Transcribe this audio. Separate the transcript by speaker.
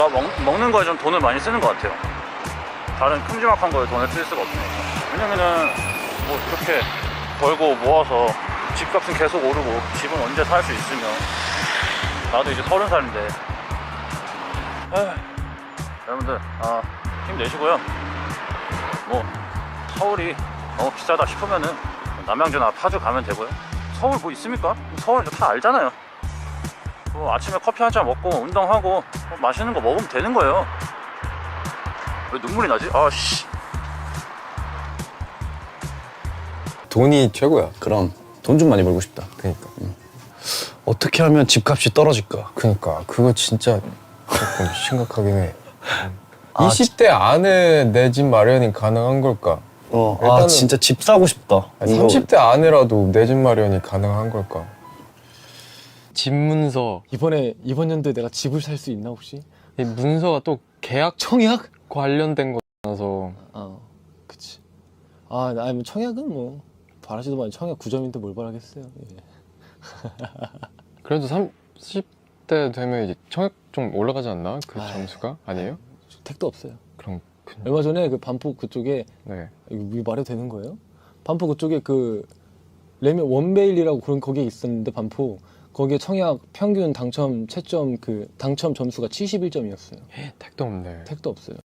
Speaker 1: 먹는 거에 좀 돈을 많이 쓰는 것 같아요. 다른 큼지막한 거에 돈을 쓸 수가 없으니까. 왜냐면은 뭐 이렇게 벌고 모아서 집값은 계속 오르고 집은 언제 살 수 있으면, 나도 이제 30살인데 여러분들 힘내시고요. 뭐 서울이 너무 비싸다 싶으면은 남양주나 파주 가면 되고요. 서울 뭐 있습니까? 서울 다 알잖아요. 뭐 아침에 커피 한 잔 먹고 운동하고 뭐 맛있는 거 먹으면 되는 거예요. 왜 눈물이 나지? 아씨.
Speaker 2: 돈이 최고야.
Speaker 3: 그럼 돈 좀 많이 벌고 싶다.
Speaker 2: 그러니까.
Speaker 3: 어떻게 하면 집값이 떨어질까?
Speaker 2: 그러니까 그거 진짜 조금 심각하긴 해.
Speaker 3: 아,
Speaker 2: 20대 안에 내 집 마련이 가능한 걸까? 일단은-
Speaker 3: 진짜 집 사고 싶다.
Speaker 2: 아니, 30대 안에라도 내 집 마련이 가능한 걸까? 집 문서.
Speaker 4: 이번 연도에 내가 집을 살 수 있나 혹시?
Speaker 2: 이 문서가 또 계약 청약 관련된 거라서.
Speaker 4: 그치. 아니 뭐 청약은 뭐 바라지도 말고 청약 9점인데 뭘 바라겠어요. 예.
Speaker 2: 그래도 30대 되면 이제 청약 좀 올라가지 않나? 그
Speaker 4: 아이.
Speaker 2: 점수가? 아니에요?
Speaker 4: 택도 없어요.
Speaker 2: 그럼 그냥.
Speaker 4: 얼마 전에 그 반포 그쪽에
Speaker 2: 네.
Speaker 4: 이거 말해도 되는 거예요? 반포 그쪽에 그 레면 원베일이라고 그런 거기에 있었는데 반포 거기에 청약 평균 당첨 채점 그 당첨 점수가 71점이었어요.
Speaker 2: 택도 없네.
Speaker 4: 택도 없어요.